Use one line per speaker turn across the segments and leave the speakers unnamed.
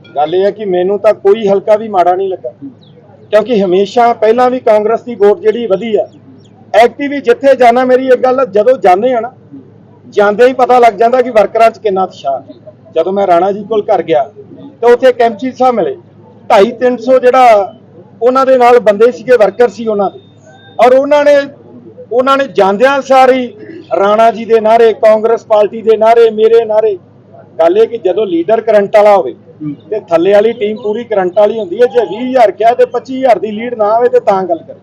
गल यह है कि मैनू तो कोई हल्का भी माड़ा नहीं लगा, क्योंकि हमेशा पहला भी कांग्रेस की वोट जी वधी है। एक्टिव भी जिथे जाना, मेरी एक गल जदों जाने हैं ना, जाते ही पता लग जाता कि वर्करां च किन्ना उत्साह। जदों मैं राणा जी कोल घर गया तो उत्थे कैंपची साहब मिले, 250-300 जिहड़ा उन्हां दे नाल बंदे सीगे, वर्कर सी उन्हां दे, और उन्होंने जांदियां सारी राणा जी के नारे, कांग्रेस पार्टी के नारे, मेरे नारे। गल ये कि जदों लीडर करंट वाला होवे ते थल्ले वाली टीम पूरी करंट वाली होंदी है। जे 20,000 क्या ते 25,000 की लीड ना आवे ते तां गल कर।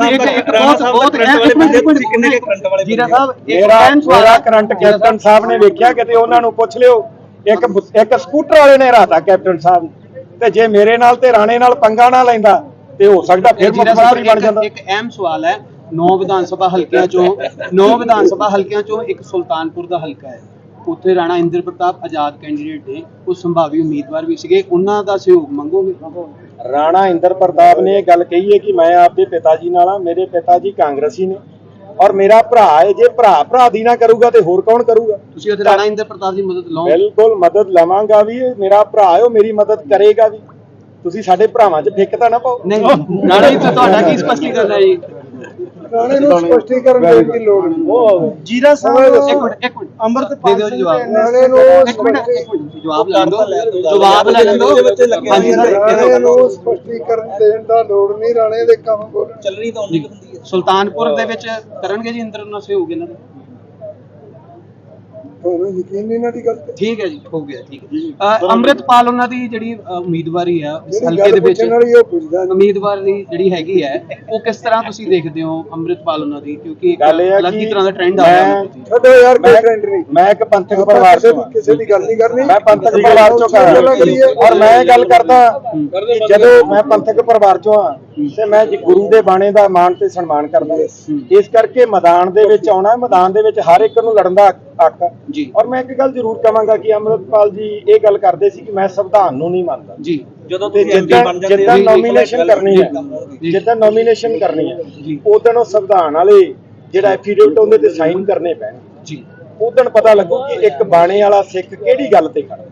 मेरा करंट कैप्टन साहब ने वेख्या, किते उन्हां नूं पुछ लिओ, एक स्कूटर वाले ने हराता कैप्टन साहब ते जे मेरे नाल ते राणे नाल पंगा ना लैंदा ते हो सकदा फिर मुख्य मंत्री बन जांदा।
एक अहम सवाल है, 9 विधान सभा हल्कियां चों एक सुल्तानपुर दा हल्का है, उत्थे राणा इंद्र प्रताप आजाद कैंਡੀਡੇਟ ने, ਉਹ संभावी उम्मीदवार भी सीगे, उन्हां दा सहयोग मंगोगे?
राणा इंद्र प्रताप ने गल कही है कि मैं आपके पिता जी नाल हां, मेरे पिता जी कांग्रेसी ने और मेरा भरा है, जे भरा दी ना करूगा तो होर कौन करूगा?
तुसीं उत्थे राणा इंद्र प्रताप की मदद लो?
बिल्कुल मदद लवांगा भी, मेरा भरा है, मेरी मदद करेगा भी। तुसीं साडे भरावां च फिक तां ना पाओ।
नहीं राणा जी, तुहाडा की स्पष्टीकरण है जी?
राणे नूं स्पष्टीकरण देण दी लोड़ नहीं।
जीरा साहब एक मिनट अमृतपाल दे दिओ जवाब।
राणे नूं
जवाब ले लो, जवाब ले लो। हां जी सर,
राणे नूं स्पष्टीकरण देण दा लोड़ नहीं, राणे दे काम बोलण
ਚੱਲਣੀ ਤਾਂ ਉਹਦੀ ਹੁੰਦੀ ਹੈ। ਸੁਲਤਾਨਪੁਰ ਦੇ ਵਿੱਚ ਕਰਨਗੇ ਜੀ ਇੰਦਰ ਨਾਲ ਸਹਿਯੋਗ ਇਹਨਾਂ ਦਾ?
ਤੁਹਾਨੂੰ ਯਕੀਨ ਨਹੀਂ ਇਹਨਾਂ ਦੀ ਗੱਲ ਤੇ?
ਠੀਕ ਹੈ ਜੀ, ਹੋ ਗਿਆ, ਠੀਕ ਹੈ। ਅੰਮ੍ਰਿਤਪਾਲ ਉਹਨਾਂ ਦੀ ਜਿਹੜੀ ਉਮੀਦਵਾਰੀ ਆ ਇਸ ਹਲਕੇ ਦੇ ਵਿੱਚ, ਉਮੀਦਵਾਰ ਦੀ ਜਿਹੜੀ ਹੈਗੀ ਹੈ, ਉਹ ਕਿਸ ਤਰ੍ਹਾਂ ਤੁਸੀਂ ਦੇਖਦੇ ਹੋ ਅੰਮ੍ਰਿਤਪਾਲ ਉਹਨਾਂ ਦੀ? ਕਿਉਂਕਿ ਇੱਕ ਅਲੱਗ ਹੀ ਤਰ੍ਹਾਂ ਦਾ ਟ੍ਰੈਂਡ ਆ ਰਿਹਾ।
ਛੱਡੋ ਯਾਰ, ਕੋਈ ਟ੍ਰੈਂਡ ਨਹੀਂ।
मैं एक पंथक परिवार चों
ਕਿਸੇ ਦੀ ਗੱਲ ਨਹੀਂ ਕਰਨੀ।
मैं पंथक परिवार चों कर और मैं गल करदा कि जदों मैं पंथक परिवार चों हां ते मैं गुरु दे बाणे दा मान ते सन्मान करदा, इस करके मैदान दे विच आउणा, मैदान दे विच हर एक नूं लड़न दा हक जी। और मैं एक गल जरूर कहांगा कि अमृतपाल जी ये गल करदे सी कि मैं संविधान नूं नहीं मानदा जी। जदों जिद्दां नॉमिनेशन करनी है, जिद्दां नॉमिनेशन करनी है, उदों ओह संविधान वाले जिहड़ा एफीडेविट उहदे ते साइन करने पैण जी। उदण पता लगू कि एक बाणे वाला सिख किहड़ी गल ते खड़ा।